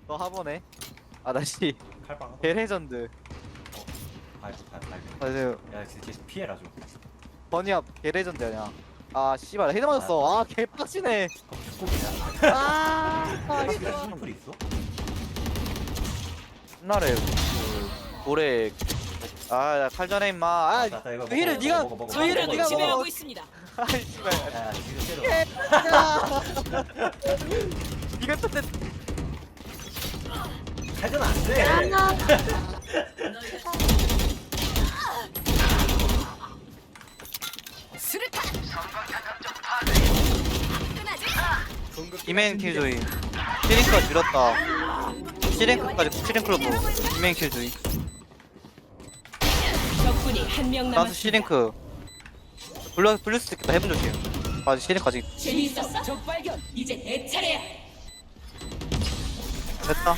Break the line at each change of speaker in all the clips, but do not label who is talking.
너 하보네. 아 다시
칼빵.
개레전드.
발.
맞아요.
야 진짜 피해라 좀.
버니압 개레전드 아니야. 아 씨발 헤드 맞았어. 아 개빡치네.
축구기냐?
아
씨발 심플 있어?
옛날에 그 노래 아 칼전에 임마. 아
나 이거
그 힐을 네가 그 힐을
적을
네가
지배하고
먹어.
있습니다.
아 씨발.
야 지금 때려.
이거 또 내-
칼전 안 돼.
수류탄.
이메인 킬조이. 시링크가 줄였다. 시링크까지 시링크로 보. 이메인 킬조이.
적군이 한 명
나도
남았습니다.
시링크. 불릴 수도 있겠다. 해본 적이야. 아직 시링크 아직
재미있었어? 적 발견. 이제 내 차례야.
됐다.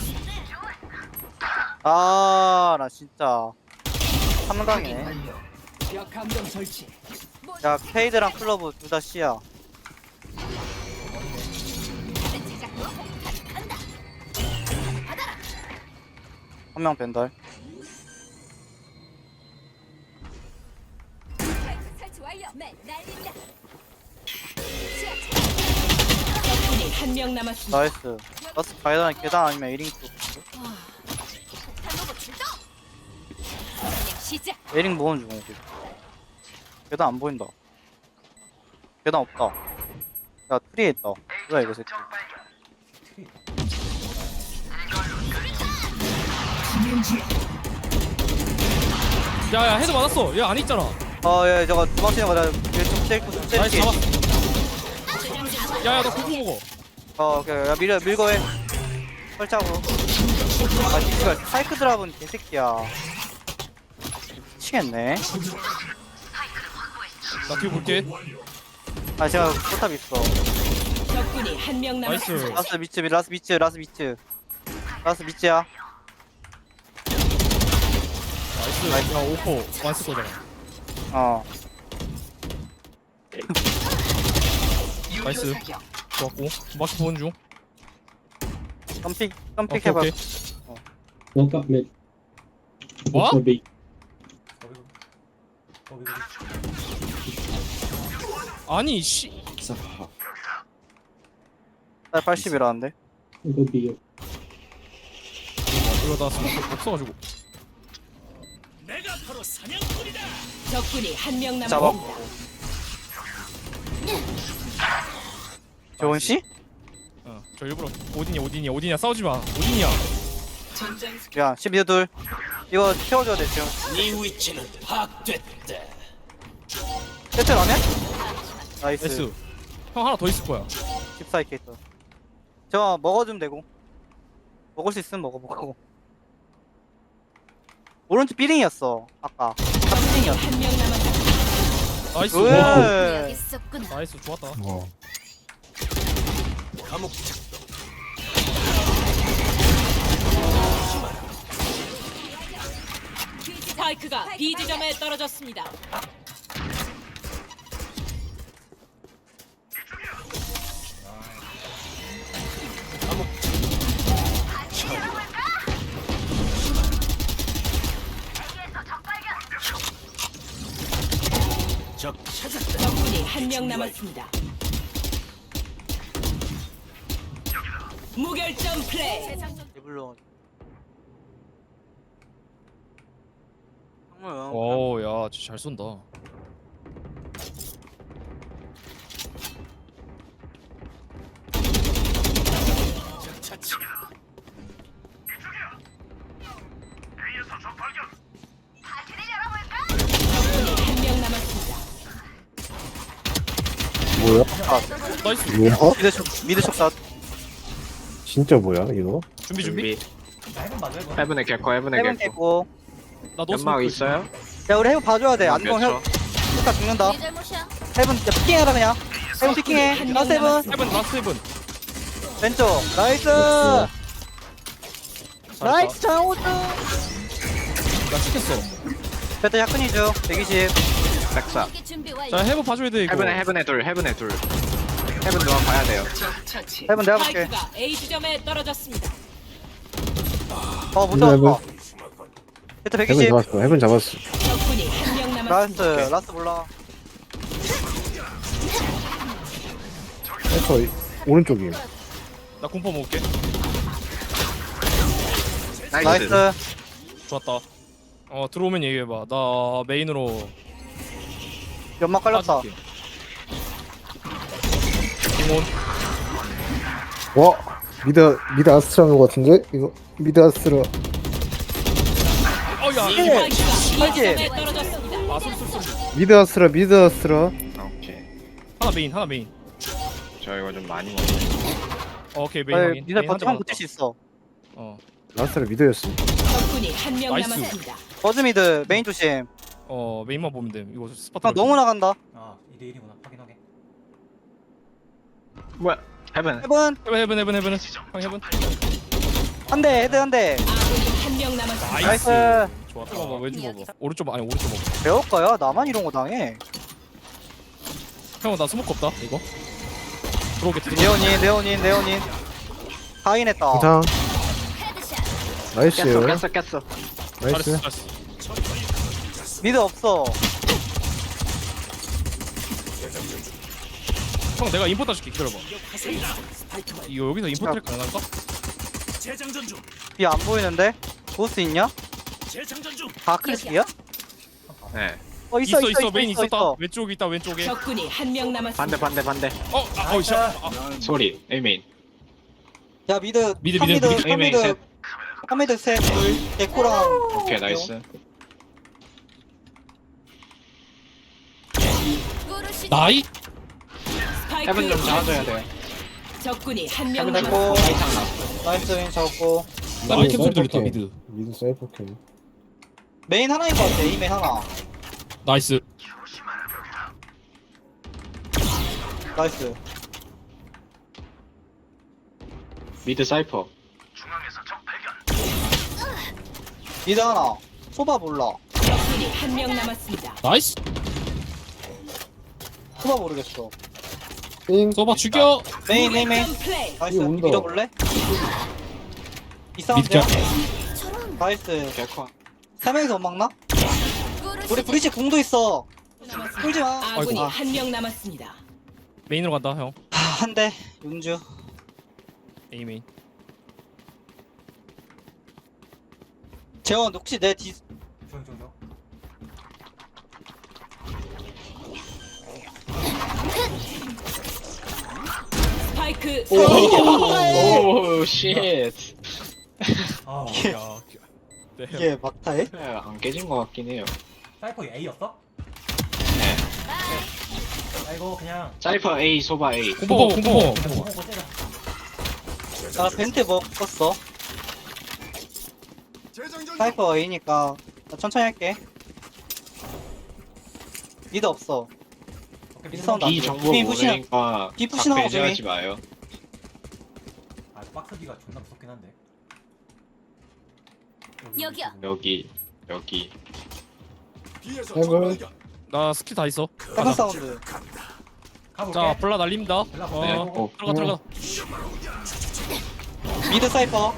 아, 나 진짜 3강이네.
벽 감정 설치.
야, 케이드랑 클로브 둘 다 C야. 한 명 벤달.
설치 완료. 맨 날린다.
적군이 한 명 남았습니다.
나이스. 라스 바이단 계단 아니면 에링크.
탄로버 출동. 시작.
에링 모은 중. 계단 안 보인다. 계단 없다. 야, 트리에 있다. 뭐야 이거 새끼.
야야 헤드 맞았어. 얘 안 있잖아.
야, 저거 도망치는 거다. 얘좀 셀고 좀
나이스
셀게.
잡았어. 야야 너 구구 먹어.
오케이. 야, 밀고 해. 설정으로. 아, 진짜 사이크 드랍은 개새끼야. 미치겠네.
나 뒤에 볼게.
아, 제가 포탑 있어.
적군이 한 명
나이스.
남았습니다.
라스 미츠야.
나이스. 야 오퍼 완스 거잖아.
어.
나이스. 좋았고. 마키 보는 중.
깜픽
오케이
해봐.
오케이.
Woke up mid.
뭐?
For B.
거기.
아니 씨.
나 80이라는데.
Go B.
이거 나 스모크 없어가지고.
적군이 한 명 남았습니다.
잡았고. 좋은 씨?
저 일부러 오딘이야 싸우지 마. 오딘이야.
야, 12도 둘. 이거 태워줘야 돼, 지금.
네 위치는 파악됐다.
세트 라면? 나이스.
나이스. 형 하나 더 있을 거야.
14K 있다. 저거 먹어주면 되고. 먹을 수 있으면 먹어보고. 오른쪽 삐링이었어, 아까. 삐링이었어.
한 명 남았습니다.
나이스.
왜?
와.
여기 있었구나.
나이스 좋았다.
감옥 작동.
스파이크가 B 지점에 떨어졌습니다.
적 찾았다.
적군이 한 명 남았습니다. 무결점 플레이.
데블로. 정말.
오야 진짜 잘 쏜다.
적 차치.
적군이 한 명 남았습니다.
뭐야?
나이스.
뭐야?
미드 촉사.
진짜 뭐야 이거?
준비.
해본 맞아 해본.
해븐의 개코 해븐의
해븐
개코
됐고.
나너
연막 있어요?
야, 우리 해븐 봐줘야 돼. 안동
몇 초?
촉사 죽는다.
네 잘못이야.
해븐, 야, 피킹해라, 그냥. 해븐 피킹해.
한
라스
명
해븐.
해븐 라스트 해븐.
왼쪽. 나이스. 나이스, 장호준.
나 시켰어.
배트 약근이죠. 120.
백사
이게 준비 완료.
자 해븐 봐줘야 돼 이거.
해븐의 둘 해븐 누가 봐야 돼요.
적 처치.
해븐 내가 볼게.
스파이크가 A 지점에 떨어졌습니다.
못
해븐,
잡았다. 히트
해븐
120.
잡았어. 해븐 잡았어.
적군이 한 명
라스트
남았습니다.
라스트 몰라.
해커 오른쪽임.
나 공포 먹을게.
나이스.
좋았다. 들어오면 얘기해봐. 나 메인으로
연막 깔렸다.
빠질게. 공원.
와 미드 아스트라인 것 같은데 이거 미드 아스트라.
어야.
예.
스파이크가
빨개.
B점에 떨어졌습니다.
아 소리.
미드 아스트라 미드 아스트라.
오케이.
하나 메인.
저 이거 좀 많이 먹네.
오케이 메인
아니,
확인.
니들
메인 한
버티면
대
버틸 수 있어.
아스트라 미드였어.
적군이 한 명
나이스.
남았습니다.
버즈미드 메인 조심.
메인만 보면 돼. 이거 스팟.
형 너무 나간다.
아 2대1이구나 확인하게.
뭐야? 해븐.
해븐
해븐. 형 해븐.
한 대, 헤드 한 대.
아군이 한 명 남았습니다.
나이스.
나이스.
좋았다. 봐봐 왼쪽 봐봐. 오른쪽 아니 오른쪽 봐봐.
배울 거야. 나만 이런 거 당해.
형 나 스모크 없다. 이거. 들어오겠다.
네오닌. 하인했다.
항상
헤드샷.
나이스.
깼어.
나이스.
잘했어.
미드 없어.
형 내가 인포 따줄게. 기다려봐. 이거 여기서 인포 트랙 가능할까?
재장전 중.
비 안 보이는데? 보스 있냐?
재장전 중.
다크리스야?
네.
있어 메인 있었다. 왼쪽에 있다 왼쪽에.
적군이 한 명 남았습니다.
반대.
샷.
소리. 에이메인.
야 미드
미드,
한
미드,
미드
에이메인 셋.
한 미드 셋 에코랑
오케이 나이스.
꾸르시.
나이.
스파이크
해븐 좀 잡아줘야 돼.
적군이 한 명
해븐
남았습니다.
됐고
이상 났어.
나이스 윈 잡고
나 아이템 소리 들렸다 미드.
미드 사이퍼 캠.
메인 하나인 것 같아 이메인 하나
나이스.
나이스
미드 사이퍼.
미드 하나 소바 몰라
적군이 한 명 남았습니다.
나이스.
소바 모르겠어
띵.
써봐 죽여.
메인
점 플레이.
나이스
이거 온다.
밀어볼래? 이 사운드야? 나이스
개커.
3명이서 못 막나?
꾸르시.
우리 브리치 궁도 있어 끌지마
아군이
아이고.
한 명 남았습니다.
메인으로 간다 형.
한대 윤주
A 메인.
재원 혹시 내 뒤
조용.
스파이크
오 쉣.
아
야. 네.
이게 막타해?
안 깨진 것 같긴 해요.
사이퍼 A였어?
네.
아이고 그냥
사이퍼 A 소바 A.
공포.
보고 때려.
나 벤트 먹었어 사이퍼 A니까 나 천천히 할게 미드 없어
오케이,
미드 사운드 안
B
돼.
정보
B 푸시나-
모르니까
B 푸시나고
배제하지
좀
마요.
아 박스기가 존나 무섭긴 한데.
여기요.
여기.
해븐.
나 스킬 다 있어.
세븐 사운드
가볼게.
자 블라 날립니다.
연락
네.
보내고.
들어가.
미드 사이퍼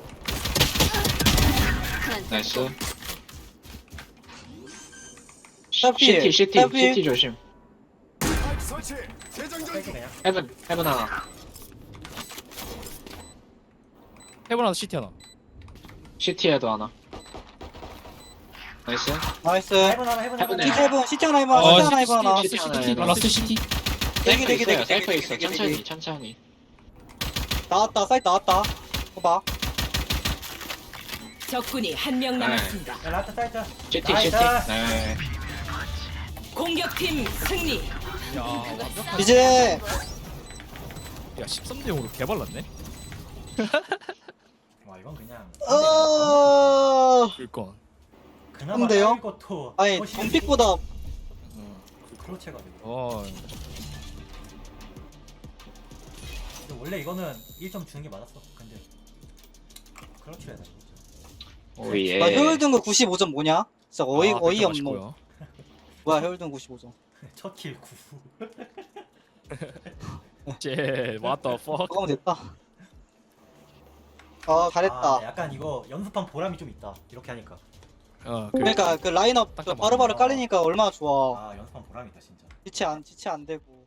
나이스.
스타필, 스타필.
CT 조심.
뺄게 그냥.
해븐 하나.
해븐 하나 CT 하나.
CT에도 하나. 나이스.
나이스
해븐 하나 해븐
해븐
하나.
시티 해븐 시티 하나 해봐 시티 하나 해봐 하나
CT 하나 해봐.
라스트 CT.
대기,
사이퍼
대기,
있어요.
대기,
사이퍼
대기,
있어.
대기, 대기.
천천히.
나왔다 사이트 나왔다 봐봐
적군이 한 명 남았습니다.
야 라트 사이트.
CT.
나이스.
네.
공격팀 승리.
야 완벽한.
이제
야 13대 0으로 개발랐네.
와 이건 그냥.
그니까.
그나마
근데요?
쌓일 것도
아니
훨씬
돈픽보다
크로체가지고.
어.
근데 원래 이거는 1점 주는 게 맞았어. 근데 크로치야 돼.
오예.
나 효율 등급 95점 뭐냐? 진짜 어이
아, 백점
없노
맛있고요.
뭐야 효율 등급 95점
첫킬 9.
쟤 what the fuck.
그거면 됐다
잘했다.
아, 약간 이거 연습한 보람이 좀 있다. 이렇게 하니까.
그러니까 그 라인업
딱
바로바로
맞네.
깔리니까 얼마나 좋아.
아, 연습한 보람이 있다 진짜.
지체 안 되고.